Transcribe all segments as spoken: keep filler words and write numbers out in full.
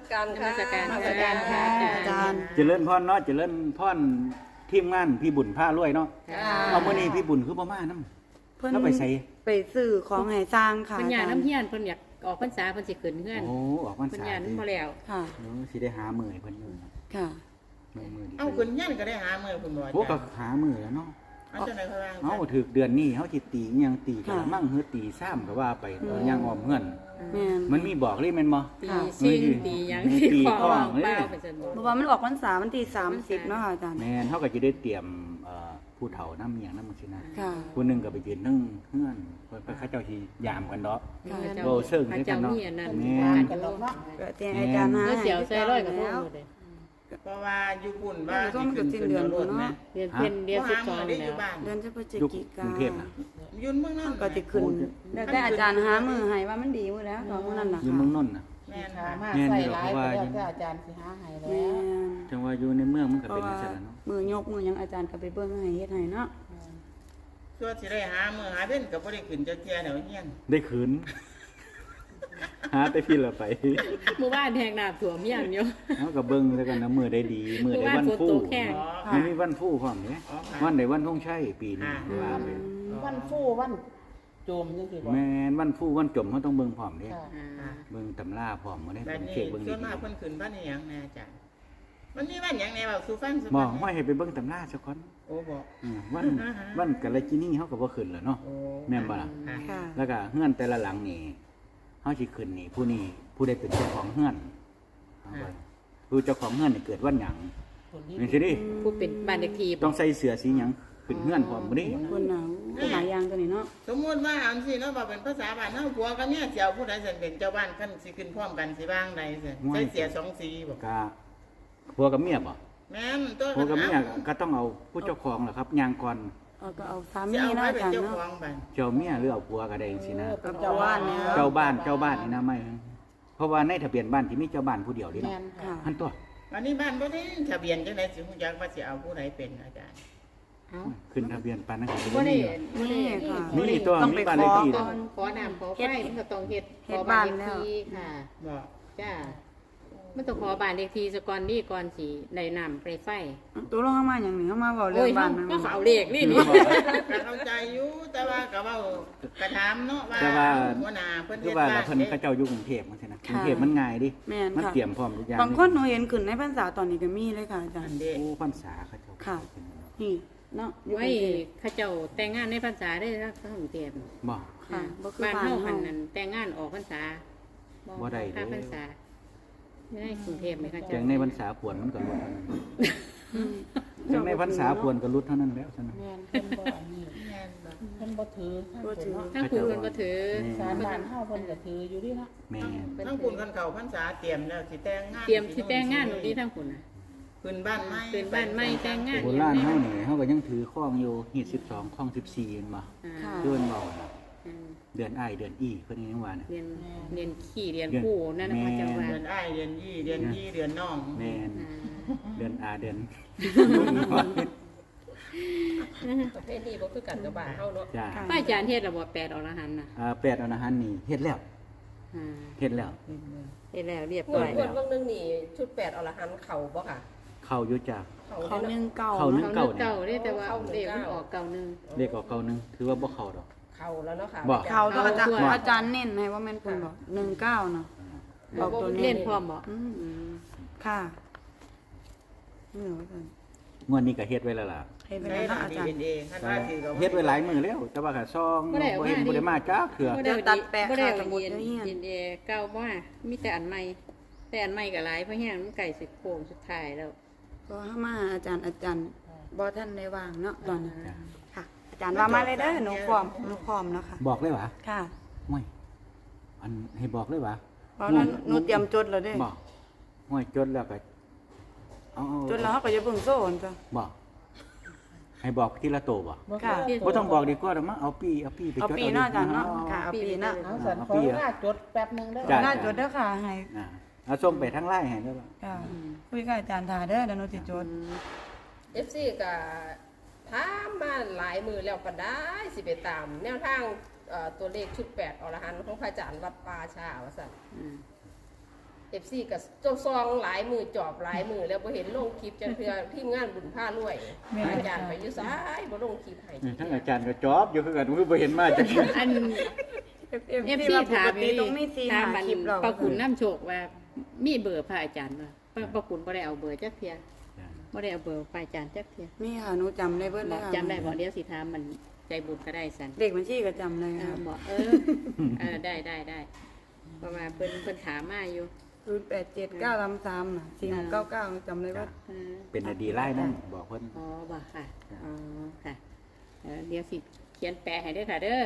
การค่ะนมัสการนมัสการค่ะอาจารย์เจริญพรเนาะเจริญพรทีมงานพี่บุญผ้ารวยเนาะค่ะเอามื้อนี้พี่บุญคือบ่มานํเพิ่นแล้วไปใส่ไปซื้อของให้สร้างค่ะเพิ่นอยากอาจารน้ำเฮียนเพิ่นอยากออกพรรษาเพิ่นสิขึ้นเฮือนโอ้ออกพรรเพิ่นษาอยากนำบ่แล้วค่ะเออสิได้หามื้อให้เพิ่นอยู่ค่ะมื้อมื้อนี้เอ้าคุณยันก็ได้หามือคุณบ่โอ้ก็หามื้อแล้วเนาะเอาจังได๋เขาว่าเฮาถึกเดือนนี้เฮาสิตีอิหยังตีกะละมั่งเฮือตีซ้ำก็ว่าไปเออย่างอ้อมเฮือนแม่นมันมีบอกเลยแม่นบ่ตีค่ะซิ่งตีหยังตีที่ขอข้อวางเลยเปล่าไปซั่นบ่เพราะว่ามันออกพรรษาวันที่สามสิบเนาะค่ะอาจารย์แม่นเฮาก็สิได้เตรียมเอ่อผู้เฒ่านำอีหยังนำจังซี่นะค่ะผู้หนึงก็ไปยืนเทิงเฮือนเพิ่นเขาเจ้าสิยามกันเนาะค่ะพระโอ้เชิงด้วยกัเจ้านเนาะมีอันนั้นแม่การนกันเนาะก็แจ้งอาจารย์หาเมื่อให้เสียวใส่ร้อยกับพวกแล้วหมดเลยเพราะว่าอยู่ปุ่นว่าเดี๋ยวต้องมันก็สิ้นเดือนรถเนาะแม่เรียนเพิ่นเรียนบ่สิบหาสมืออง ได้อแล้ยู่วบ้านเดือนพฤศยุคจิกการุงเทพนะยืนเมืองนั่นก็สิขึ้นแล้วแต่อาจารย์หามือให้ว่ามันดีมื้อแล้วตอนมื้อนั้นน่ะอยู่ค่ะเมืองนนท์น่ะแม่นค่ะค่ะมาแม่นใส่อยู่ร้ายเพราะว่าไปแล้วแต่อาจารย์สิหาให้แล้แม่วนจังว่าอยู่ในเมืองมันก็เพเป็นราะจังว่าซั่นล่ะเนาะมือยกมือหยังอาจารย์ก็ไปเบิ่งให้เฮ็ดให้เนาะส่วนสิได้หามือหาเว้นก็บ่ได้ขึ้นจักเที่ยแนวเฮียนได้คืน หาแต่พี่ละไปหมู่บ้านแทงน้ำท่วมยังอยู่เฮาก็เบิ่งแล้วกันนะมื้อได้ดีมื้อได้วันฟู่เมื่อวานฝนตกแห้งอ๋อมันมีวันฟู่พร้อมเด้อ๋อค่ะวันใดวันธงชัยปีนี้อ่าว่าไปวันฟู่วันโจมจังซี่บ่แม่นวันฟู่วันจมเฮาต้องเบิ่งพร้อมเด้ค่ะอ่าเบิ่งตำราพร้อมบ่ได้แบบผมนี้เช็คเบิ่งส่วนดีมากเพิ่นขึ้นบ้านอีหยังแน่อาจารย์มันมีบ้านหยังแน่เว้าสู่ฟังสู่ๆบ่ฟังห้อยให้ไปเบิ่งตำราซะก่อนโอ้บ่อืมวันวันกะละจินีเฮาก็บ่ขึ้นแล้วเนาะโอ้แม่นบ่ล่ะค่ะค่ะแล้วก็เฮือนแต่ละหลังนี่เฮาสิขึ้นนี่ผู้นี้ผู้ใดเป็นเจ้าของเฮือนเอาไว้ผู้เจ้าของเฮือนนี่เกิดวันหยังคนที่นี่สิดิผู้เป็นบ้านเด็กทีต้องใส่เสื้อสีหยังขึ้นเฮือนพร้อมบ่ดิคนน่ะอู้หลายอย่างตัวนี้เนาะสมมุติว่าอันสิเนาะว่าเป็นภาษาบ้านเฮาผัวกับเมียสิเอาผู้ใดสิเป็นเจ้าบ้านคันสิขึ้นพร้อมกันสิว่างใดสิใส่เสียสองสีบ่กะผัวกับเมียบ่แม่นตัวผัวกับเมียก็ต้องเอาผู้เจ้าของล่ะครับย่างก่อนเอาก็เอาสาสิมีเอาเนาะไว้อาเป็นจารย์เจ้าเนาะของบ้านเจ้าเมียหรือเอาผัวก็ได้จังซี่นะเป็นเจ้าบ้านเนี่ยเจ้าบ้านเจ้าบ้านนี่นะไม่เพราะว่าในทะเบียนบ้านที่มีเจ้าบ้านผู้เดียวนี่แม่เนาะนค่ะค่ะอันตัววันนี้บ้านบ่ได้ทะเบียนจังได๋สิฮู้จักว่าสิเอาผู้ใดเป็นอาจารย์เอ้าขึ้นทะเบียนปานนั้นก็บ่บ่ได้มีบ่ได้นี่ค่ะมีตัวต้องมีไปบ้านเลขขอที่ก่นะอนขอน้ำขอไฟมันก็ต้องเฮ็ดเฮ็ดขอบ้านบ้านเลขแล้วที่ค่ะบ่จ้ามันต้องขอบ้านเลขที่ซะก่อนนี่ก่อนสิได้น้ำไปไฟตัวลงเข้ามาอย่างหนึ่งเข้ามาบอกเรื่โอ้อย งบ้าเฮานมันก็เอาเลขนี่นี่ก็เข้าใจอยู่แต่ว่าก็เว้ากระถามเนาะว่าแต่ว่าหัวหน้าเพิ่นคือเฮ็ดว่าบ้าเรานเพิ่นเขาเจ้าอยู่กรุงเทพจังซี่นะกรุงเทพมันง่ายดิแม่นมันค่ะเตรียมพร้อมทุกอย่างบางคนหนูเห็นขึ้นในพรรษาตอนนี้ก็มีเลยค่ะอาจารอัย์นเด้โอ้พรรษาเขาเจ้าค่ะ นี่เนาะอยู่กไว้รุงเทพเขาเจ้าแต่งงานในพรรษาได้ทั้งกรุงเทพบ่ค่ะบ่คือบ้านบ้านเฮาเฮาหันนั้นแต่งงานออกพรรษาบ่ได้ค่าเด้พรรษาไม่ได้กรุงเทพไหมคะจังในพรรษาพวนมันก็ลดเท่านั้นจังในพรรษาพวนก็ลดเท่านั้นแล้วซั่นนะแม่นเพิ่นบ่อันนี้แม่นบ่เพิ่นบ่ถือท่านบ่ถือเนาะทั้งคุณเพิ่นก็ถือสารบ้านเฮาเพิ่นก็ถืออยู่ดิเนาะแม่นทั้งคุณกันเข้าพรรษาเตรียมแล้วสิแต่งงานเตรียมสิแต่งงานหนูดีทั้งคุณน่ะขึ้นบ้านใหม่ขึ้นบ้านใหม่แต่งงานโบราณเฮานี่เฮาก็ยังถือข้องอยู่ฮีดสิบสองข้องสิบสี่เห็นบ่อ่าค่ะเดือนเว้าน่ะอืมเดือนอ้ายเดือนอีเพิ่นยังว่าน่ะเรียนเรียนขี่เรียนคู่นั่นนะพระเจ้าว่าเดือนอ้ายเดือนยี่เดือนยี่เดือนน้องแม่นอ่าเดือนอาเดือนประเภทนี้บ่คือกันกับบ้านเฮาเนาะจ้าพระอาจารย์เทศระบบแปดอรหันต์น่ะอ่าแปดอรหันต์นี่เฮ็ดแล้วอ่าเฮ็ดแล้วเฮ็ดแล้วเรียบงร้วอดยงวดเบิ่งนึงนี่ชุดแปดอรหันต์เข้าบ่ค่ะเข้าอยู่จ้าเข้าเขาได้หนึ่งเนาะเก่าเขาหนึ่งเนาะเขานึกเก่าเด้แต่ว่าเด็กมันออกเก่าหนึงเลขออกเก่าหนึงถือว่าบ่เข้าดอกเข้าแล้วเนาะค่ะบ่เขาตัวอาจารย์เขาอาจารย์เน้นให้ว่าแม่นคุณบอกหนึ่งเก้าเนาะบอกตัวเล่เน้นนพร้อมบ่อืมอืมค่ะนี่เหรออาจารย์งวดนี้ก็เฮ็ดไว้แล้วล่ะให้เป็นใช้ไรหลัเนาะกอาดีจารย์เอ็นเอคันว่าถือกับเฮ็ดไว้หลายมื้อแล้ว แต่ว่าก็ซองบ่เห็นบ่ได้มาจ้าเถื่อบ่เดี๋ยวตัดแปะบ่ได้ค่ะสมุดเรียนเดี๋ยวเฮียนเรียนเอเก่าบ่ว่ามีแต่อันใหม่แต่อันใหม่ก็หลายเพราะแห้งมันไก่สิโค้งสุดท้ายแล้วก็ให้มาอาจารย์อาจารย์บอท่านได้วางเนาะตอนนี้ค่ะ อาจารย์ว่ามาเลยเด้อหนูพร้อมหนูพร้อมแล้วค่ะบอกเลยหวะค่ะห่วยอันให้บอกเลยหวะเพราะนั้นหนูเตรียมจดแล้วเด้บอกห่วยจดแล้วก็เอาเอาจดแล้วเขาก็จะเบิ่งโซ่นจ้ะบอกให้บอกทีละโตบ่ค่ะบ่ต้องบอกดีกว่าดอกมั้งเอาปีเอาปีไปจดเอาปีเนาะอาจารย์เนาะค่ะเอาปีเนาะเอาสันขอเวลาจดแป๊บนึงเด้อจ้ะน่าจดเด้อค่ะให้อ่าเอาส่งไปทางไลน์ให้เด้อบ่ค่ะคุยกับอาจารย์ทาเด้อเดี๋ยวหนูสิจดเอฟซีก็ถามมาหลายมือแล้วก็ได้สิไปตาม แนวทางเอ่อตัวเลขชุดแปดอรหันต์ของพระอาจารย์วัดป่าชาว่าซั่นอืมเอฟซีกับเจ้าซองหลายมือจอบหลายมือแล้วบ่เห็นลงคลิปจังเทื่อทีมงานบุญผ้ารวยอาจารย์ไปอยู่ซ้ายบ่ลงคลิปให้นี่ทั้งอาจารย์ก็จอบอยู่คือกันคือบ่เห็นมาจักเทื่ออันเอฟเอฟซีซีถาถาม มนี่นี่ต้องมีสี่ถามหามันคลิปเราป้าขุนน้ำโชคว่ามีเบอร์พระอาจารย์บ่ป้าป้าขุนบ่ได้เอาเบอร์จักเที่ยบ่ได้เอาเบอร์พระอาจารย์จักเที่ยมีค่ะหนูจำได้เบิดเลยค่ะจำได้บ่เดี๋ยวสิถามมันใจบุญก็ได้สันเด็กบัญชีก็จำเลยเอค่ะอบอกเออเออได้ได้ได้เพราะว่าเพิ่นเพิ่นถามมาอยู่ศูนย์แปดเจ็ดเก้าสามสามน่ะสี่หกเก้าเก้าจำได้ว่าเออเป็นอดีไล่นั่นบอกเพิ่นอ๋อบ่ค่ะอ๋อค่ะเออเดี๋ยวสิเขียนแปลให้เด้อค่ะเด้อ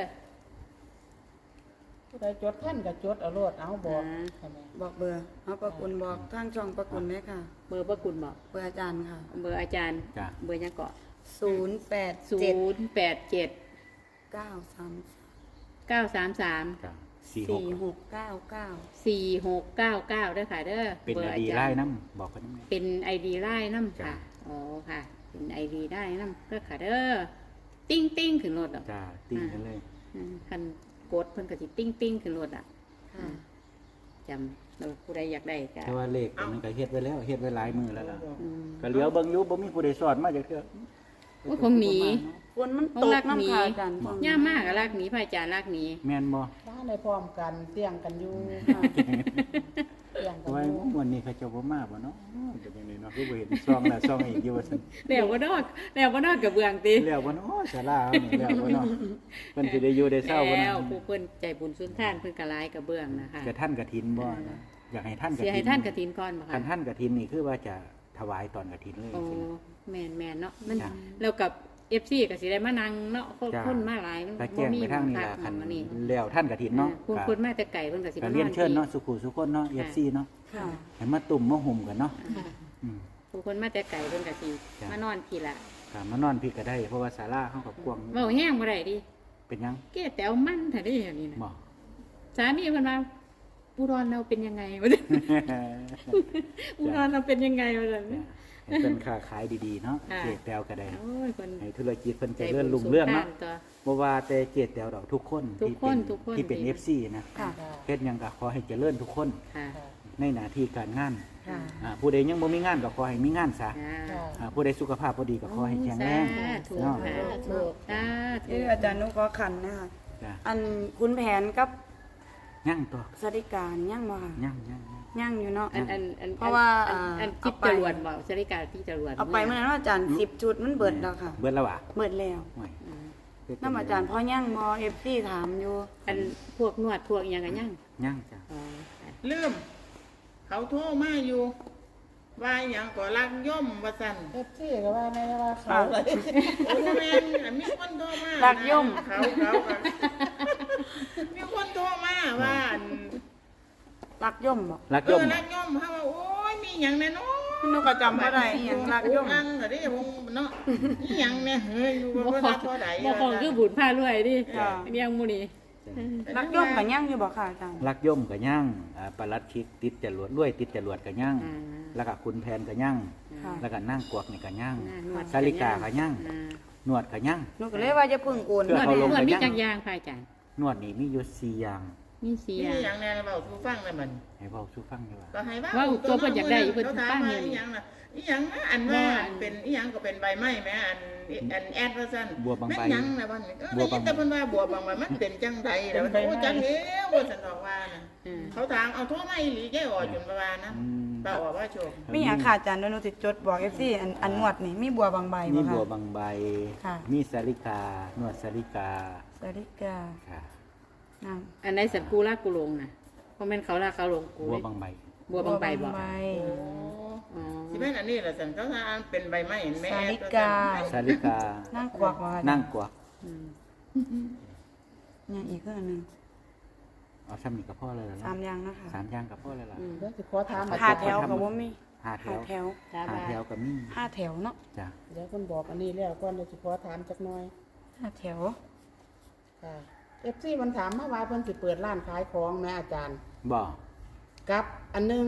ผู้ใดจดท่านก็จดเอาโลดเอาบอกอ่าใช่ไหมบอกเบอร์เอาประกุลบอกทางช่องประกุลเลยค่ะเบอร์ป้าขุนบอกเบอร์อาจารย์ค่ะเบอร์อาจารย์จ้ะเบอร์ยังเกาะศูนย์แปดศูเจ็ดนย์แปดเจ็ดเก้าสามเก้าสามสามจ้ะสี่หสี่กหกเก้าเก้าสี่หกเก้าเก้าเด้อค่ะเด้อเป็นบออร์ดีจารย์ไล่น้ำบอกเพิ่นนำเป็นไอดีไล่น้ำจ้ะค่ะอ๋อค่ะเป็นไอดีได้น้ำเด้อค่ะเด้อติ้งติ้งขึ้นรถอ่ะจ้าติ้งกันเลยอืมคันกดเพิ่นก็สิติ้งติ้งขึ้นรถอ่ะค่ะจำเราผู้ใดอยากได้ก็แต่ว่าเลขอันนี้ก็เฮ็ดไว้แล้วเฮ็ดไว้หลายมือแล้วล่ะอืมก็เหลียวเบิ่งอยู่บ่มีผู้ใดสอนมาจักเทื่อโอ้ยคงหนีฝนมันตกน้ำค่ะอาจารย์ย่ามากอะลากหนีพระอาจารย์ลากหนีแม่นบ่ถ้าในพร้อมกันเตียงกันอยู่เตียงกันไว้อยู่วันนี้เขาเจ้าบ่มาบ่เนาะเป็นจังได๋เนาะคือบ่เห็นซองแล้วซองอีกอยู่ว่าซั่นแล้วบ่นอดแล้วบ่นอดกับเบืองติแล้วบ่เนาะศาลาเอานี่แล้วบ่เนาะเพิ่นสิได้อยู่ได้เช้าบ่แล้เนาะวผู้เพิ่นใจบุญสุนทานเพิ่นก็หลายกับเบืองนะคะกระท่านกฐินบ่นะอยากให้ท่านกฐินเสียให้ท่านกฐินก่อนบ่คัคะนท่านกฐินนี่คือว่าจะถวายตอนกฐินเลยโอ้สินะแม่นแม่นเนาะมันจ้ะแล้วกับ เอฟ ซี ก็สิได้มานั่งเนาะคนจ้ะคนมาหลายมันถ้าแจ้งไปทางนี้พัล่ะคันมานี่แล้วท่านกฐินเนาะคุณคนมาแต่ไกลเพิ่นก็สิก็มาเรียนเชิญเนาะที่สุขุสุคนเนาะ เอฟ ซี เนาะค่ะให้มาตุ่มมาห่มกันเนาะค่ะอืมผู้คนมาแต่ไกลเพิ่นก็สิจ้ะมานอนพี่ละก็มานอนพี่ก็ได้เพราะว่าศาลาเฮาก็กว้างเว้าแห้งบ่ได้ดิเป็นหยังแก่แต๋วมันถ้าได้อย่างนี้นะบ่สามีเพิ่นว่าอุดรเราเป็นยังไงวะเนี่ยอุดรเราเป็นยังไงวะเนี่ยให้เป็นค้าขายดีๆเนาะค่ะเจแตวก็ได้โอ้ยคนให้ธุรกิจเพิ่นใจเจริญบุญรุ่งเรืองเนาะสุขภาพตัวบ่ว่าแต่เจแตวดอกทุกคนทุกที่คเป็น นทุกคนที่เป็นดีเอฟ ซี นะค่ะเฮ็ดหยังก็ขอให้เจริญทุกคนค่ะในหน้าที่การงานค่ะอ่าผู้ใดยังบ่มีงานก็ขอให้มีงานซะค่ะค่ะอ่าผู้ใดสุขภาพบ่ดีก็ขอให้แข็งแรงสาธุเนาะค่ะถูกสาธุเอออาจารย์นุขอขันนะคะจ้ะอันคุณแผนกับยังตัวสริการยังบ่ค่ะยังยังยังยังอยู่เนาะอันอันอันเพราะว่าอันอันอ่าจิตเอาไปจรวดบอกสริการที่จรวดเอาไปเมื่อนั้นว่าอาจารย์สิบชุดมันเบิดแล้วค่ะเบิดแล้วว่ะเบิดแล้วโอ้ยอืมน้ำอาจารย์เพราะยังบอเอฟซีถามอยู่อันพวกนวดพวกอิหยังกันยังยังจ้ะอ๋อค่ะลืมเขาโทรมาอยู่ ว่าอหย่างก็รักย่อมว่าสั่นเอฟซีก็ว่าในว่าเขาเลยโอ้ยแม่นอันมีคนโทรมารักย่อมเขาเขาก็มีคนโทรมาว่าอันรักย่อมบอกรักเอยมอรักย่อมเขาว่าโอ้ยมีหยังแน่เนอนหนูก็จำบ่ได้อหย่างรักย่อมอังก็ได้วงเนาะอีหยังเนี่ยเฮ้ยอยู่บ่ได้เท่าใดบ่ของคือบุญผ้ารวยดิจ้ะเรียงหมูนี่รักย่อมกับยังอยู่บอกค่ะอาจารย์รักย่อมก็ยังอ่าปลัดชิกติดจรวดรวยติดจรวดก็ยังอ่าแล้วก็คุณแผนก็ยังค่ะแล้วก็นั่งกวักนี่ก็ยังอ่านวดสาลิกาก็ยังอ่านวดก็ยังหนูก็เลยว่าจะพึ่งโอนเพื่นอวดเขาลงนวดไปมียังจักอยางค่ะอาจารย์นวดนี่มีอยู่สี่อย่างมีเสียมีหยังแน่เว้าสู่ฟังได้มันให้เว้าสู่ฟังดีกว่าก็ให้ว่าว่าตัวเพิ่นอยากได้เพิ่นเขาถามฟังว่าอยู่อีหยังน่ะอีหยังนะอันว่าเป็นอีหยังก็เป็นใบไม้แหมอันอันแอดว่าซั่นบัวบางใบแม่นหยังนะวันนี้เออบัวบางได้ยินแต่เพิ่นว่าบัวบางใบมันเป็นจังไดแล้วมันโอ้จังแล้วว่าซั่นดอกว่าน่ะอืมเขาถามเอาโทรมาอีหลีแกออกจนประมาณนะอืมป้าออกว่าโชคมีอย่างค่ะอาจารย์เดี๋ยวหนูติดจดบอกเอฟซีอันอันงวดนี่มีบัวบางใบมีบ่ค่ะบัวบางใบค่ะมีสาลิกา นวดสาลิกาสริกาค่ะนั่งอันไหนสันกูลากกูลงน่ะเพราะแม่นเขาลากเขาลงกูบัวเลยบางใบบัวบางใบบอกใบโอ้อ๋อสิแม่นอันนี้ล่ะซั่นเขาถามเป็นใบไม้แม่แอดสาลิกาสาลิกานั่งกวักว่านั่งกวักอืมยังอีกคืออันหนึงเอาซ้ำนี่กับพ่อเลยเหรอสามอย่างนะคะสามอย่างกับพ่อเลยเหรออืมเดี๋ยวสิขอถามห้าแถวกับว่ามีห้าแถห้าว แถวสาห้าบาแถวกับมีห้าแถวเนาะจ้ะเดี๋ยวคนบอกอันนี้แล้วก่อนเดี๋ยวสิขอถามจักหน่อยห้าแถวค่ะเอฟซีมันถามมาว่าเพิ่นสิเปิดร้านขายของแม่อาจารย์บ่กับอันหนึง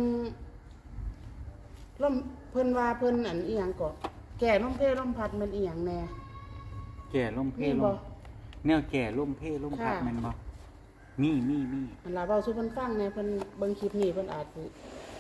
ล่มเพิ่นว่าเพิ่นอันอีหยังก็แก่ล่มเพล่มพัดมันอีหยังแน่แก่ล่มเพมีล่บ่มแนวแก่ล่มเพล่มพัดค่ะแม่นบ่มีมีมีมันลาเว้าสู่เพิ่นฟังแน่เพิ่นเบิ่งคลิปนี้เพิ่นอาจสิ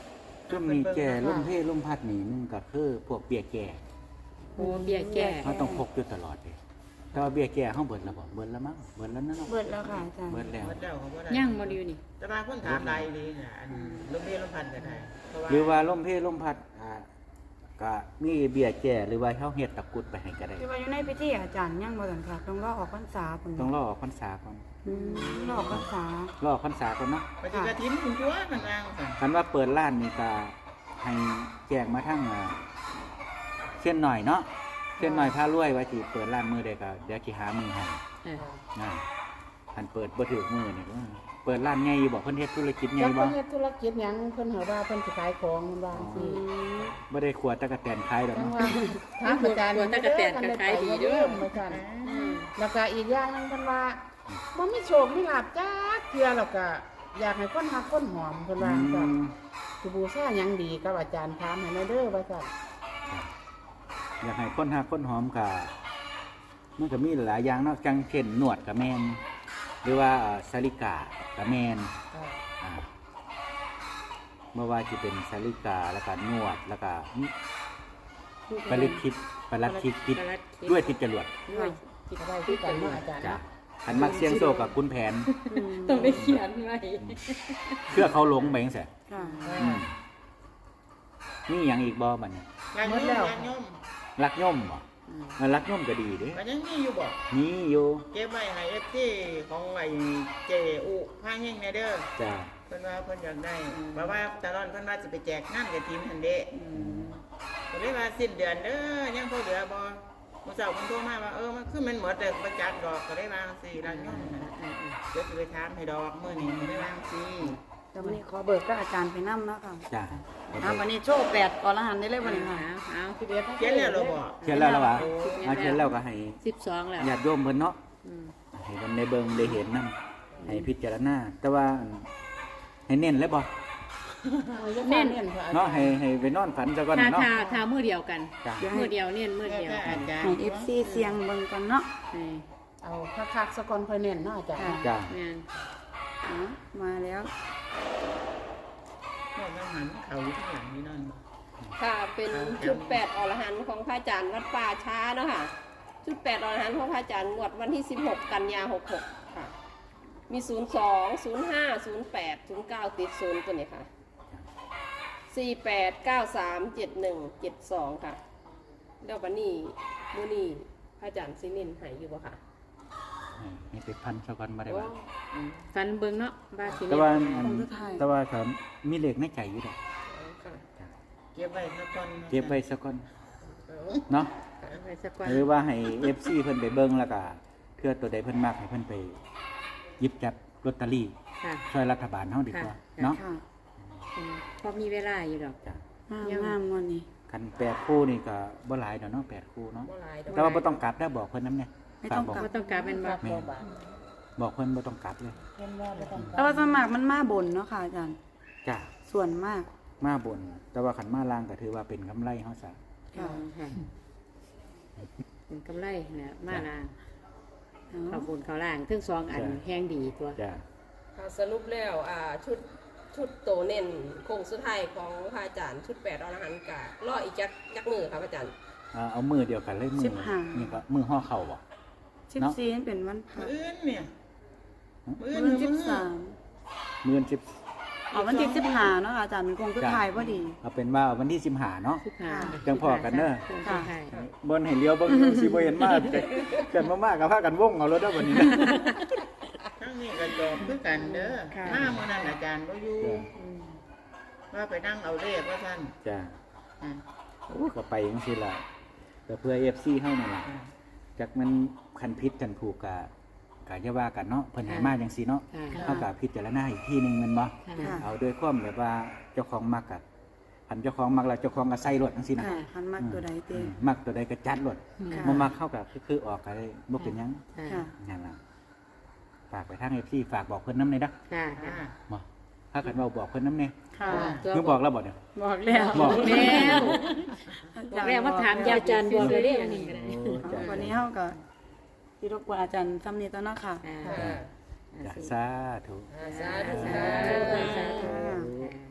ช่วงนี้แก่ลมเพลลมพัดนี่นึงก็คือพวกเบี้ยแก่โอ้เบี้ยแก่เขาต้องพกอยู่ตลอดเลยแต่ว่าเบี้ยแก่เฮาเบิดแล้วบ่เบิดแล้วมั้งเบิดแล้วนั่นเนาะเบิดแล้วค่ะอาจารย์เบิดแล้วหมดแล้วเขาบ่ได้ย่างบ่ดีอยู่นี่แต่บางคนถามหลายเลยน่ะอันลมเพลลมพัดก็ได้เพราะว่าหรือว่าลมเพลลมพัดอ่าก็มีเบี้ยแก่หรือว่าเฮาเฮ็ดตะกรุดไปให้ก็ได้ที่ว่าอยู่ในพิธีอาจารย์ยังบ่ทันค่ะต้องรอออกพรรษาพุ่นต้องรอออกพรรษาก่อนอืมรอออกพรรษารอออกพรรษาก่อนเนาะปฏิกฐินคุณตัวมันวางค่ะคันว่าเปิดร้านนี่ก็ให้แจ้งมาทั้งอ่าเส้นหน่อยเนาะเส้นหน่อยพารวยว่าสิเปิดร้านมื้อใดก็เดี๋ยวสิหามื้อให้เออนะคันเปิดบ่ถูกมื้อนี่ก็เปิดร้านใหญ่อยู่บ่เพิ่นเฮ็ดธุรกิจใหญ่จักบ่เพิ่นเฮ็ดธุรกิจหยังเพิ่นหาว่าเพิ่นสิขายของมันว่าอืสิมบ่ได้ขวดตะกะแตนขายดอกจังเนาะว่าถามอาจารย์ตัวตะกะแตนก็ขายดีเด้อมาสั่นแล้วก็อีกอย่างหนึงเพิ่นว่าบ่มีโชคมีลาภจักเทื่อแล้วก็อยากให้คนฮักคนหอมเพิ่นอืว่าสั่นมสิบูชาหยังดีกับอาจารย์ถามให้แม่เด้อว่าสั่นอยากให้คนหักคนหอมก็มันก็มีหลายอย่างเนาะจังเช่นหนวดก็แม่นหรือว่าเอ่อสาลิกาก็แม่น อ่าเมื่อว่าจะเป็นสาลิกาแล้วก็นวดแล้วก็ปริทิพย์ปรัดทิพย์ทิพย์ด้วยทิพย์จรวดด้วยคิดได้คือกันเนาะอาจารย์จ้ะเนาะขันมักเสียงโซกับคุณแผนต้องได้เขียนไว้เพื่อเขาหลงไปจังซี่ค่ะอืมนี่อย่างอีกบ่บัดนี้งานโยมงานโยมรักย่อมบ่เออรักย่อมก็ดีเด้มันยังมีอยู่บ่นี่อยู่เก็บไว้ให้เอฟซีของไอ้เจอุพาเฮงแน่เด้อจ้ะเพิ่นว่าเพิ่นอยากได้เพราะว่าตลอดเพิ่นว่าสิไปแจกงานกฐินหั่นเด้ก็เลยว่าสิ้นเดือนเด้อยังพอเหลือบ่มื้อเช้าเพิ่นโทรมาว่าเออมันคือมันหมดเด้อบ่จัดดอกก็ได้วาจังซี่รักโยมน่ะเดี๋ยวสิไปถามให้ดอกมื้อนี้ก็ได้วาจังซี่แต่วันนี้ขอเบิกกับอาจารย์ไปนํเนาะค่ะจ้ะอ่าวันนี้โชว์แปดอรหันต์ได้เลยวันนี้ค่ะเอาสิเดียวเขียนแล้วเหรอบ่เขียนแล้วล่ะวะเอาเขียนแล้วก็ให้สิบสองแล้วญาติโยมเพิ่นเนาะอืมให้เพิ่นได้เบิ่งได้เห็นนํให้พิจารณาแต่ว่าให้เน้นเลยบ่เน้นเนี่ยค่ะเนาะให้ให้ไปนอนฝันซะก่อนถ้าเนาะถ้าถ้ามือเดียวกันจ้ะมือเดียวเน้นมือแล้วเดียวแต่อาจารย์ให้ เอฟ ซี เสียงเบิ่งกันเนาะให้เอาคักๆสะก่อนค่อยเน้นเนาะอาจารย์ค่ะจ้ะแม่นอ่ะมาแล้วพวกนั้นหันเขาอยู่ข้างหลังนี่นั่นบ่ค่ะเป็นชุดแปดอรหันต์ของพระอาจารย์วัดป่าช้าเนาะค่ะชุดแปดอรหันต์ของพระอาจารย์งวดวันที่สิบหกกันยาหกหกค่ะ มีศูนย์สองศูนย์ห้าศูนย์แปดศูนย์เก้าติดศูนย์ตัวนี้ค่ะสี่แปดเก้าสามเจ็ดหนึ่งเจ็ดสองค่ะแล้ววันนี้มื้อนี้พระอาจารย์ซินินหายอยู่บ่ค่ะให้ไปพันซะก่อนบ่ได้ว่าฟันเบิ่งเนาะบาสิแต่เน้นว่าอันของสุดท้ายแต่ว่าครับมีเลขในใจอยู่ดอกค่ะจ้ะเก็บไว้สักคนเก็บไว้ซะก่อนเนาะเอาไว้สักวันหรือว่าให้ เอฟ ซี เพิ่นไปเบิ่งแล้วก็เพื่อตัวใดเพิ่นมักให้เพิ่นไปหยิบจับลอตเตอรี่ค่ะช่วยรัฐบาลเฮาดีกว่าเนาะค่ะอืมพอมีเวลาอยู่ดอกจ้ะงามงามวันนี้คันแปดคู่นี่ก็บ่หลายดอกเนาะแปดคู่เนาะบ่หลายดอกแต่ว่าบ่ต้องกลับได้อบอกเพิ่นนำเนี่ยไม่ต้องกลับบ่ต้องกลับเป็นบ่แม่นบอกเพิ่นบ่ต้องกลับเลยแต่ว่าสวนมากมันมาบนเนาะค่ะอาจารย์จ้ะส่วนมากมาบน แต่ว่าคันมาล่างก็ถือว่าเป็นกำไรเฮาซะค่ะค่ะเป็นกำไรเนี่ยมาลางเอาเขาบุญเขาล่างทั้งสองอันแห้งดีตัวจ้ะค่ะสรุปแล้วอ่าชุดชุดโตเน่นโคงสุดท้ายของพระอาจารย์ชุดแปดอรหันต์กะรออีกจักจักมือครับอาจารย์เอาเอามือเดียวกันเลยมือนี่ก็มือห่อเข่าบ่สิบสี่นั่นเป็นวันพระมื้ออื่นเนี่ยมื้อมื้อื่อน สิบมื้อสามมื้อสิบอ๋อวันที่สิบห้าเนาะค่ะอาจารย์มันคงคือถ่ายพอดีเอาเป็นว่าวันที่สิบห้าเนาะสิบห้าจังพอกันเด้อค่ะบนให้เลี้ยวเบิ่งสิบ่เห็นมากเกินมากๆก็พากันวงเอารถเด้อบัดนี้นะทั้งนี้ก็จอบคือกันเด้อค่ะมามื้อนั้นอาจารย์บ่อยู่ว่าไปนั่งเอาเลขว่าซั่นจ้ะอ่าโอ้ก็ไปจังซี่ล่ะก็เพื่อ เอฟ ซี เฮานั่นล่ะอ่าจักมันคันพิษกันถูกกะกะอย่าว่ากันเนาะเพิ่นให้มาจังซี่เนาะค่ะเฮาก็พิจารณาอีกทีหนึงแม่นบ่ค่ะเอาด้วยความแบบว่าเจ้าของมักกะคันเจ้าของมักแล้วเจ้าของก็ใส่รถจังซี่นะค่ะหันมากตัวใดเต้อืมมักตัวใดก็จัดรถค่ะบ่มักเข้าก็คือคือออกก็ได้บ่เป็นหยังค่ะนั่นล่ะฝากไปทาง เอฟ ซี ฝากบอกเพิ่นนำหน่อยเด้อค่ะอ่าบ่ถ้ากันเว้าบอกเพิ่นนำแน่ค่ะคือบอกแล้วบ่เนี่ยบอกแล้วบอกแล้วบอกแล้วว่าถามยาอาจารย์บอกเลยเด้ออันนี้ก็ได้เอาวันนี้เฮาก็ที่รบกวนอาจารย์ซ้ำนี้ตัวเนาะค่ะอ่าค่ะจ้ะสาธุอ่าสาธุสาสาธุธุสาธุค่ะค่ะ